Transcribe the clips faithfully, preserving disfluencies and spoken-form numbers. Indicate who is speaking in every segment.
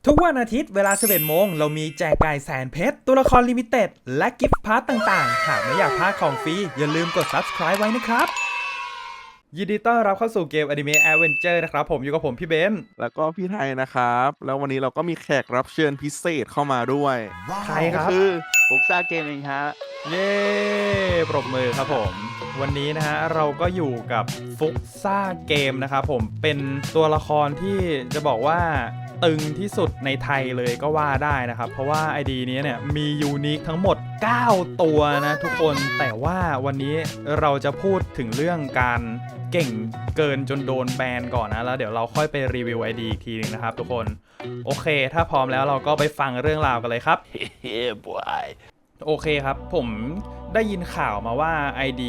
Speaker 1: ทุกวันอาทิตย์เวลา สิบเอ็ด โมงเรามีแจกไก่แสนเพชรตัวละครลิมิเต็ดและกิฟต์พาร์ทต่างๆหากไม่อยากพลาดของฟรีอย่าลืมกด ซับสไครบ์ ไว้นะครับยินดีต้อนรับเข้าสู่เกม Anime Adventure นะครับผมอยู่กับผมพี่เบนซ์
Speaker 2: แล้วก็พี่ไทยนะครับแล้ววันนี้เราก็มีแขกรับเชิญพิเศษเข้ามาด้วย
Speaker 1: ใครครับ
Speaker 2: ก็คือ
Speaker 3: ฟุกซ่าเกมเองฮะ
Speaker 1: เย้ปรบมือครับผมวันนี้นะฮะเราก็อยู่กับฟุกซ่าเกมนะครับผมเป็นตัวละครที่จะบอกว่าตึงที่สุดในไทยเลยก็ว่าได้นะครับเพราะว่า ไอ ดี นี้เนี่ยมียูนิคทั้งหมดเก้าตัวนะทุกคนแต่ว่าวันนี้เราจะพูดถึงเรื่องการเก่งเกินจนโดนแบนก่อนนะแล้วเดี๋ยวเราค่อยไปรีวิว ไอ ดี อีกทีนึงนะครับทุกคนโอเคถ้าพร้อมแล้วเราก็ไปฟังเรื่องราวกันเลยครับ
Speaker 3: เฮ้ยบอย
Speaker 1: โอเคครับผมได้ยินข่าวมาว่า ไอ ดี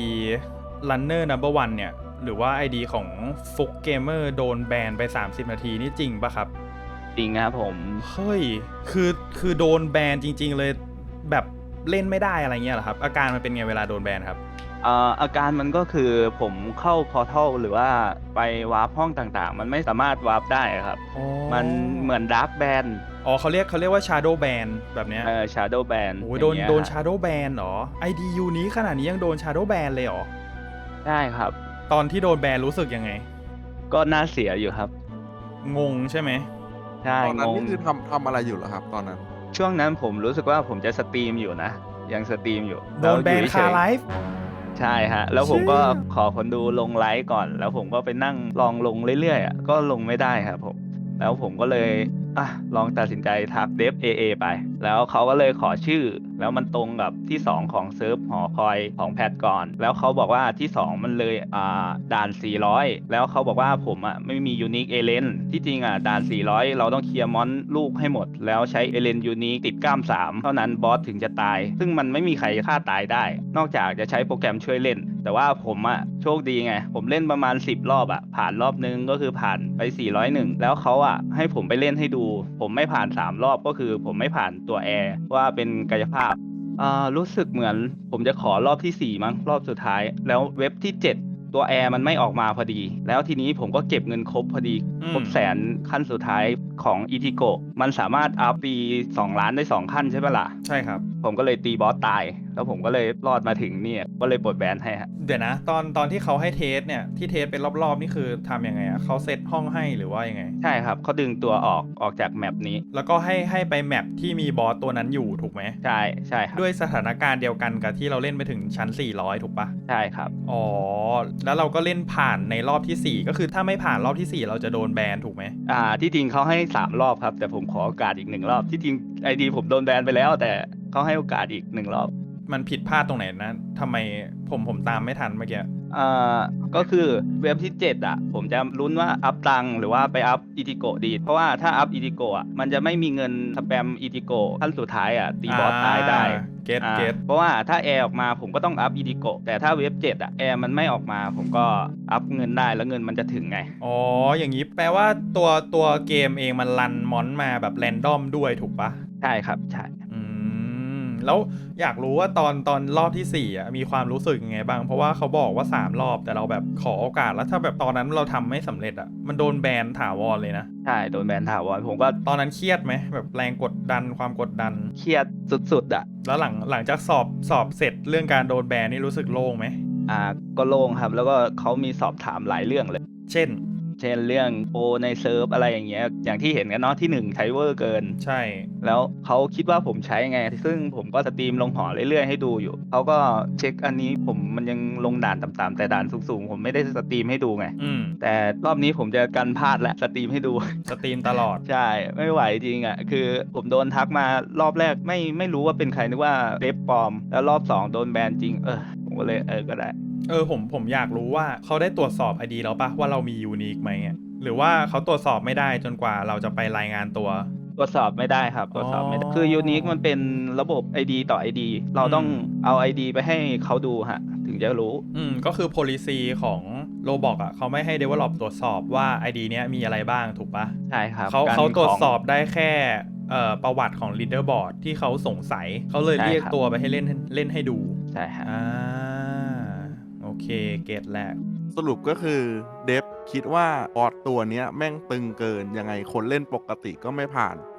Speaker 1: Runner Number วันเนี่ยหรือว่า ไอ ดี ของฟุกเกมเมอร์โดนแบนไปสามสิบนาทีนี่จริงปะครับ
Speaker 3: จริงครับผม
Speaker 1: เฮ้ยคือคือโดนแบนจริงๆเลยแบบเล่นไม่ได้อะไรเงี้ยเหรอครับอาการมันเป็นไงเวลาโดนแบนครับ
Speaker 3: อ่าอาการมันก็คือผมเข้าพอร์ทัลหรือว่าไปวาร์ปห้องต่างๆมันไม่สามารถวาร์ปได้ครับมันเหมือนดาร์กแบน
Speaker 1: อ๋อเขาเรียกเขาเรียกว่า Shadow Ban แบบเนี้ย
Speaker 3: เออ Shadow Ban
Speaker 1: โอ้ยโดนโดน Shadow Ban เหรอ ไอ ดี ยูนี้ขนาดนี้ยังโดน Shadow Ban เลยเหรอ
Speaker 3: ใช่ครับ
Speaker 1: ตอนที่โดนแบนรู้สึกยังไง
Speaker 3: ก็น่าเสียอยู่ครับ
Speaker 1: งงใช่ไหม
Speaker 2: ใช่ตอนนั้นนี่คือทำทำอะไรอยู่เหรอครับตอนนั้น
Speaker 3: ช่วงนั้นผมรู้สึกว่าผมจะสตรีมอยู่นะยังสตรีมอยู่
Speaker 1: โดนแบนคาไลฟ์
Speaker 3: ใช่ฮะแล้วผมก็ขอคนดูลงไลฟ์ก่อนแล้วผมก็ไปนั่งลองลงเรื่อยๆอ่ะก็ลงไม่ได้ครับผมแล้วผมก็เลยอ่ะลองตัดสินใจทักเดฟ เอ เอ ไปแล้วเขาก็เลยขอชื่อแล้วมันตรงกับที่สองของเซิร์ฟหอคอยของแพทก่อนแล้วเขาบอกว่าที่สองมันเลยอ่าด่านสี่ร้อยแล้วเขาบอกว่าผมอ่ะไม่มียูนิคเอเลนที่จริงอ่ะด่านสี่ร้อยเราต้องเคลียร์มอนลูกให้หมดแล้วใช้เอเลนยูนิคติดกล้ามสามเท่านั้นบอสถึงจะตายซึ่งมันไม่มีใครฆ่าตายได้นอกจากจะใช้โปรแกรมช่วยเล่นแต่ว่าผมอ่ะโชคดีไงผมเล่นประมาณสิบรอบอ่ะผ่านรอบนึงก็คือผ่านไปสี่ร้อยเอ็ดแล้วเขาอ่ะให้ผมไปเล่นให้ดูผมไม่ผ่านสามรอบก็คือผมไม่ผ่านตัวแอร์ว่าเป็นกายภาพอ่ารู้สึกเหมือนผมจะขอรอบที่สี่มั้งรอบสุดท้ายแล้วเว็บที่เจ็ดตัวแอร์มันไม่ออกมาพอดีแล้วทีนี้ผมก็เก็บเงินครบพอดีครบแสนขั้นสุดท้ายของอีทิโกมันสามารถอัพปีสองล้านได้สองขั้นใช่ไหมล่ะ
Speaker 1: ใช่ครับ
Speaker 3: ผมก็เลยตีบอสตายแล้วผมก็เลยรอดมาถึงเนี่ยก็เลยปลดแบนให้ฮะ
Speaker 1: เดี๋ยวนะตอนตอนที่เขาให้เทสเนี่ยที่เทสเป็นรอบๆนี่คือทำยังไงอ่ะเขาเซตห้องให้หรือว่ายังไง
Speaker 3: ใช่ครับเขาดึงตัวออกออกจากแมปนี้
Speaker 1: แล้วก็ให้ให้ไปแมปที่มีบอสตัวนั้นอยู่ถูกไหม
Speaker 3: ใช่ใช่ครับ
Speaker 1: ด้วยสถานการณ์เดียวกันกับที่เราเล่นไปถึงชั้นสี่ร้อยถูกปะ
Speaker 3: ใช่ครับ
Speaker 1: อ๋อแล้วเราก็เล่นผ่านในรอบที่สี่ก็คือถ้าไม่ผ่านรอบที่สี่เราจะโดนแบนถูกไหม
Speaker 3: อ่าที่จริงเขาให้สามรอบครับแต่ผมขอโอกาสอีกหนึ่งรอบที่จริงไอดีผมโดนแบนไปแล้วแต่เขาให้โอกาสอีกหนึ่งรอบ
Speaker 1: มันผิดพลาดตรงไหนนะทำไมผมผมตามไม่ทันเมื่อกี้
Speaker 3: อ่าก็คือเว็บที่เจ็ดอ่ะผมจะลุ้นว่าอัพตังหรือว่าไปอัพอีทิโกดีเพราะว่าถ้าอัพอีทิโกอ่ะมันจะไม่มีเงินสแปมอีทิโกขั้นสุดท้ายอ่ะตีบอสตายได้
Speaker 1: เก็ตเก็ต
Speaker 3: เพราะว่าถ้าแอร์ออกมาผมก็ต้องอัพอีทิโกแต่ถ้าเว็บเจ็ดอ่ะแอร์มันไม่ออกมาผมก็อัพเงินได้แล้วเงินมันจะถึงไง
Speaker 1: อ๋ออย่างนี้แปลว่าตัวตัวเกมเองมันรันมอนมาแบบแรนดอมด้วยถูกปะ
Speaker 3: ใช่ครับใช่
Speaker 1: แล้วอยากรู้ว่าตอนตอนรอบที่สี่อ่ะมีความรู้สึกยังไงบ้างเพราะว่าเขาบอกว่าสามรอบแต่เราแบบขอโอกาสแล้วถ้าแบบตอนนั้นเราทำไม่สำเร็จอ่ะมันโดนแบนถาวรเลยนะ
Speaker 3: ใช่โดนแบนถาวรผมก็
Speaker 1: ตอนนั้นเครียดไหมแบบแรงกดดันความกดดัน
Speaker 3: เครียดสุดๆอ่ะ
Speaker 1: แล้วหลังหลังจากสอบสอบเสร็จเรื่องการโดนแบนนี่รู้สึกโล่งไหม
Speaker 3: อ่าก็โล่งครับแล้วก็เขามีสอบถามหลายเรื่องเลย
Speaker 1: เช่น
Speaker 3: เช่นเรื่องโปรในเซิร์ฟอะไรอย่างเงี้ยอย่างที่เห็นกันเนาะที่หนึ่งใช้เวอร์เกิน
Speaker 1: ใช่
Speaker 3: แล้วเขาคิดว่าผมใช้ไงซึ่งผมก็สตรีมลงหอเรื่อยๆให้ดูอยู่เขาก็เช็คอันนี้ผมมันยังลงด่านต่ำๆแต่ด่านสูงๆผมไม่ได้สตรีมให้ดูไงแต่รอบนี้ผมจะกันพลาดและสตรีมให้ดู
Speaker 1: สตรีมตลอด
Speaker 3: ใช่ไม่ไหวจริงอ่ะคือผมโดนทักมารอบแรกไม่ไม่รู้ว่าเป็นใครนึกว่าเดฟปลอมแล้วรอบสองโดนแบนจริงเออผมก็เลยเออก็ได้
Speaker 1: เออผมผมอยากรู้ว่าเขาได้ตรวจสอบ ไอ ดี แล้วปะว่าเรามียูนิคไหมหรือว่าเขาตรวจสอบไม่ได้จนกว่าเราจะไปรายงานตัว
Speaker 3: ตรวจสอบไม่ได้ครับตรวจสอบไม่ได้คือยูนิคมันเป็นระบบ ไอ ดี ต่อ ไอ ดี เราต้องเอา ไอ ดี ไปให้เขาดูฮะถึงจะรู้
Speaker 1: อืมก็คือ policy ของ Roblox อ่ะเขาไม่ให้ develop ตรวจสอบว่า ไอ ดี เนี้ยมีอะไรบ้างถูกปะ
Speaker 3: ใช่ครับ
Speaker 1: เขาเขาตรวจสอบได้แค่เอ่อประวัติของ leaderboard ที่เขาสงสัยเขาเลยเรียกตัวไปให้เล่นเล่นให้ดู
Speaker 3: ใช่ครับ
Speaker 1: อ่าโอเคเกตแรก
Speaker 2: สรุปก็คือเดฟคิดว่าบอสตัวเนี้ยแม่งตึงเกินยังไงคนเล่นปกติก็ไม่ผ่าน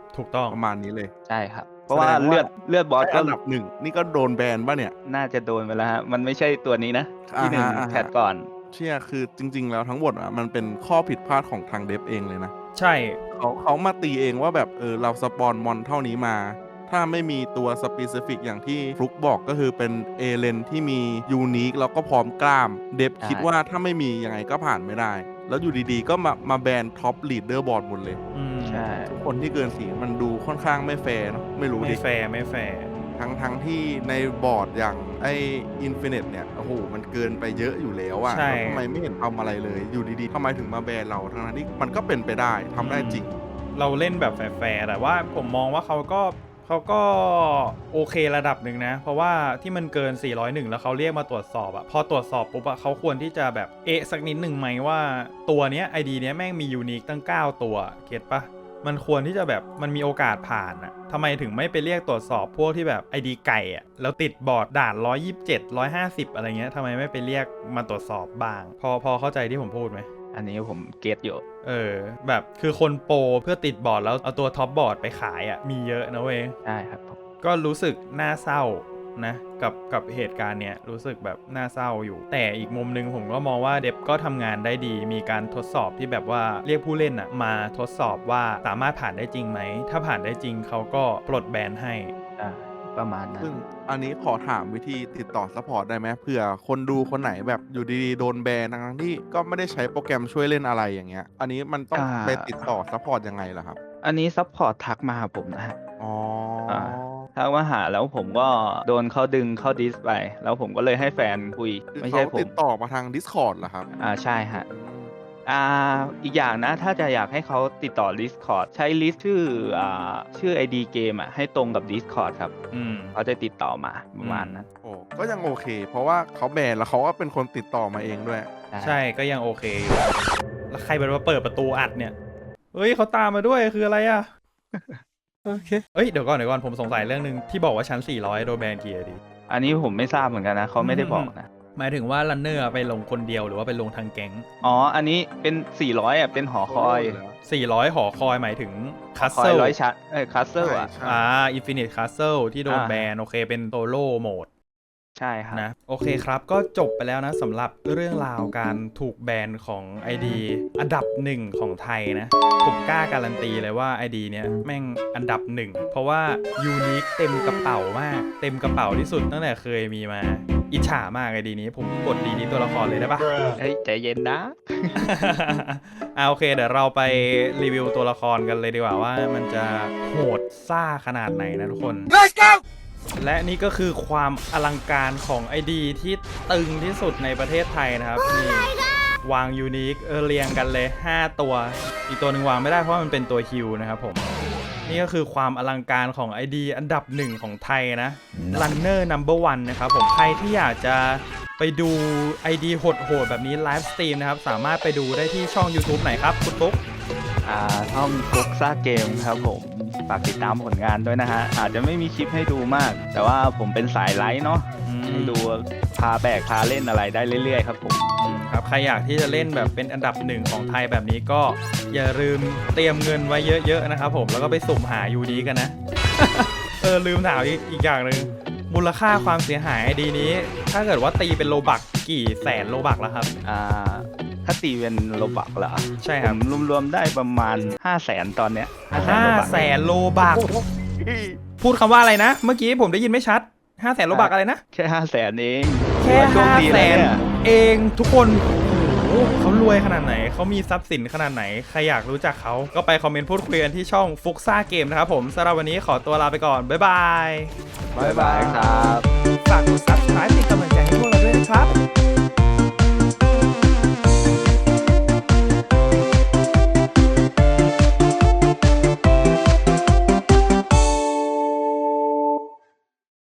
Speaker 1: ถูกต้อง
Speaker 2: ประมาณนี้เลย
Speaker 3: ใช่ครับ เพราะว่า
Speaker 2: แสดงว่า
Speaker 3: เลือดเลือดบอส
Speaker 2: ไอ้
Speaker 3: ก็
Speaker 2: อันดับหนึ่งนี่ก็โดนแบนป่ะเนี่ย
Speaker 3: น่าจะโดนไปแล้วฮะมันไม่ใช่ตัวนี้นะ ที่หนึ่ง
Speaker 2: อ่าฮะอ่าฮะ
Speaker 3: แพทก่อน
Speaker 2: เชื่อคือจริง ๆ แล้วทั้งหมดอ่ะมันเป็นข้อผิดพลาดของทางเดฟเองเลยนะ
Speaker 1: ใช่
Speaker 2: เขาเขามาตีเองว่าแบบเออเราสปอนมอนเท่านี้มา ถ้าไม่มีตัวสป e ซิฟิกอย่างที่ฟลุกบอกก็คือเป็นเอเลนที่มียูนิคแล้วก็พร้อมกล้าม เดฟ
Speaker 3: ใช่
Speaker 2: คิดว่าถ้าไม่มียังไงก็ผ่านไม่ได้ แล้วอยู่ดีๆ ก็มามาแบนท็อปลีดเดอร์บอร์ดหมดเลย
Speaker 1: อืม
Speaker 3: ใช่
Speaker 2: ทุกคนที่เกินสีมันดูค่อนข้างไม่แฟร์เนอะไม่รู้
Speaker 1: ไม่
Speaker 2: ดิ
Speaker 1: แฟร์ไม่แฟร์
Speaker 2: ทั้งทั้งที่ในบอร์ดอย่างไออินฟินิตเนี่ยโอ้โหมันเกินไปเยอะอยู่แล้วอะ
Speaker 1: ใช่
Speaker 2: แล้วทำไมไม่เห็นทำอะไรเลย อยู่ดีๆทำไมถึงมาแบนเราทั้งนั้นที่มันก็เป็นไปได้ทำได้จริง
Speaker 1: เราเล่นแบบแฟร์ๆแต่ว่าผมมองว่าเขาก็เขาก็โอเคระดับหนึ่งนะ เพราะว่าที่มันเกิน สี่ร้อยเอ็ด แล้วเขาเรียกมาตรวจสอบอะพอตรวจสอบปุ๊บอะเขาควรที่จะแบบเอะสักนิดหนึ่งไหมว่าตัวเนี้ย ไอ ดี เนี้ยแม่งมียูนิคตั้งเก้าตัวเก็ตปะมันควรที่จะแบบมันมีโอกาสผ่านอะทำไมถึงไม่ไปเรียกตรวจสอบพวกที่แบบ ไอ ดี ไก่อะแล้วติดบอร์ดด่านหนึ่งร้อยยี่สิบเจ็ด หนึ่งร้อยห้าสิบอะไรเงี้ยทำไมไม่ไปเรียกมาตรวจสอบบ้าง พอพอเข้าใจที่ผมพูดไหม
Speaker 3: อันนี้ผมเก็ตอยู่
Speaker 1: เออแบบคือคนโปรเพื่อติดบอร์ดแล้วเอาตัวท็อปบอร์ดไปขายอะ่ะมีเยอะนะเว้ย
Speaker 3: ใช่ครับผม
Speaker 1: ก็รู้สึกน่าเศร้านะกับกับเหตุการณ์เนี้ยรู้สึกแบบน่าเศร้าอยู่ แต่อีกมุมนึงผมก็มองว่าเดฟก็ทำงานได้ดีมีการทดสอบที่แบบว่าเรียกผู้เล่นอะ่ะมาทดสอบว่าสามารถผ่านได้จริงไหมถ้าผ่านได้จริงเขาก็ปลดแบนให้
Speaker 3: อ่าประมาณนั้น
Speaker 2: ซึ่งอันนี้ขอถามวิธีติดต่อซัพพอร์ตได้ไหมเผื่อคนดูคนไหนแบบอยู่ดีๆโดนแบนทั้งๆที่ก็ไม่ได้ใช้โปรแกรมช่วยเล่นอะไรอย่างเงี้ย อันนี้มันต้อง
Speaker 3: อ่า
Speaker 2: ไปติดต่อซัพพอร์ตยังไงล่ะครับ
Speaker 3: อันนี้ซัพพอร์ตทักมาหาผมนะฮะ
Speaker 2: อ๋อ
Speaker 3: อ่า ทักมาหาแล้วผมก็โดนเขาดึงเข้าดิสไป แล้วผมก็เลยให้แฟนคุย
Speaker 2: คือ
Speaker 3: ไม่
Speaker 2: เขา
Speaker 3: ใช่ผ
Speaker 2: ติ
Speaker 3: ม
Speaker 2: ดต่อมาทาง Discord เหรอครับ
Speaker 3: อ่าใช่ฮะ
Speaker 2: อืม
Speaker 3: อ่าอีกอย่างนะถ้าจะอยากให้เขาติดต่อ Discord ใช้ลิสต์ชื่ออ่าชื่อ ไอ ดี เกมอ่ะให้ตรงกับ Discord ครับ
Speaker 1: อืม
Speaker 3: เขาจะติดต่อมาประมาณนั้น
Speaker 2: โอ้ก็ยังโอเค เพราะว่าเขาแบนแล้วเขาก็เป็นคนติดต่อมาเองด้วย
Speaker 1: ใช่ก็ยังโอเคอยู่แล้วใครเป็นมาเปิดประตูอัดเนี่ยเฮ้ยเขาตามมาด้วยคืออะไรอะ โอเคเอ้ยเดี๋ยวก่อนเดี๋ยวก่อนผมสงสัยเรื่องนึงที่บอกว่าชั้นสี่ร้อยโดนแบนกี่ ไอ ดี
Speaker 3: อันนี้ผมไม่ทราบเหมือนกันนะเขาไม่ได้บอกนะ
Speaker 1: หมายถึงว่ารันเนอร์ไปลงคนเดียวหรือว่าไปลงทางแก๊ง
Speaker 3: อ๋อ อันนี้เป็น สี่ร้อยอ่ะ เป็นหอคอย
Speaker 1: สี่ร้อยหอคอยหมายถึงคัส
Speaker 3: คอ
Speaker 1: เซิ
Speaker 3: ย
Speaker 1: ล
Speaker 3: ร้อยชั้นเอ้ยคัสเซิลอ่ะ
Speaker 2: ใช่
Speaker 1: อ่าอินฟินิตคัสเซิลที่โดน
Speaker 3: อ่า
Speaker 1: แบนโอเคเป็นโซโล่โหมด
Speaker 3: ใช่ครับ
Speaker 1: นะโอเคครับก็จบไปแล้วนะสำหรับเรื่องราวการถูกแบนของ ไอ ดี อันดับหนึ่งของไทยนะ ผมกล้าการันตีเลยว่า ไอ ดี เนี้ยแม่งอันดับหนึ่งเพราะว่ายูนิคเต็มกระเป๋ามาก เต็มกระเป๋าที่สุดตั้งแต่เคยมีมา อิจฉามาก ไอ ดี นี้ผมกดดีนี้ตัวละครเลยได้ปะ
Speaker 3: เฮ้ย ใจเย็นนะ
Speaker 1: อ่าโอเคเดี๋ยวเราไปรีวิวตัวละครกันเลยดีกว่าว่ามันจะโหดซ่าขนาดไหนนะทุกคน Let's go และนี่ก็คือความอลังการของ ไอ ดี ที่ตึงที่สุดในประเทศไทยนะครับนี่วางยูนิคเออเรียงกันเลยห้าตัว อีกตัวหนึ่งวางไม่ได้เพราะว่ามันเป็นตัวฮิวนะครับผมนี่ก็คือความอลังการของ ไอ ดี อันดับหนึ่งของไทยนะ Runner Number One นะครับผมใครที่อยากจะไปดู ไอ ดี โหดๆแบบนี้ไลฟ์สตรีมนะครับสามารถไปดูได้ที่ช่อง YouTube ไหนครับคุณปุ๊ก
Speaker 3: อ่าช่องฟุกซ่าเกมครับผม ฝากติดตามผลงานด้วยนะฮะ อาจจะไม่มีคลิปให้ดูมาก แต่ว่าผมเป็นสายไลฟ์เนาะ
Speaker 1: อืม
Speaker 3: ให้ดูพาแบกพาเล่นอะไรได้เรื่อยๆครับผม
Speaker 1: ครับใครอยากที่จะเล่นแบบเป็นอันดับหนึ่งของไทยแบบนี้ก็อย่าลืมเตรียมเงินไว้เยอะๆนะครับผมแล้วก็ไปสุ่มหายูดีกันนะ เออลืมถามอีกอีกอย่างหนึ่งมูลค่าความเสียหายไอดีนี้ ถ้าเกิดว่าตีเป็นโลบักกี่แสนโลบักแล้วครับ
Speaker 3: อ่า ถ้าตีเป็นโลบักเหรอ
Speaker 1: ใช่ค
Speaker 3: ผ
Speaker 1: รับ
Speaker 3: มรวมๆได้ประมาณ ห้าแสนตอนเนี้ย
Speaker 1: ห้าแสนโลบักพูดคำว่าอะไรนะ เมื่อกี้ผมได้ยินไม่ชัดห้าแสนโลบักอะไรนะ
Speaker 3: แค่ห้าแสนเอง
Speaker 1: แค่
Speaker 3: โช
Speaker 1: ห้า
Speaker 3: ดี
Speaker 1: แส
Speaker 3: นะ
Speaker 1: น
Speaker 3: เนี่ย
Speaker 1: เองทุกคนโอ้โหเขารวยขนาดไหนเขามีทรัพย์สินขนาดไหนใครอยากรู้จักเขาก็ไปคอมเมนต์พูดคุยกันที่ช่องฟุกซ่าเกมนะครับผมสำหรับวันนี้ขอตัวลาไปก่อนบ๊ายบาย
Speaker 3: บ๊ายบายครับ
Speaker 1: ฝากกด ซับสไครบ์ เป็นกำลังใจให้พวกเราด้วยนะครับ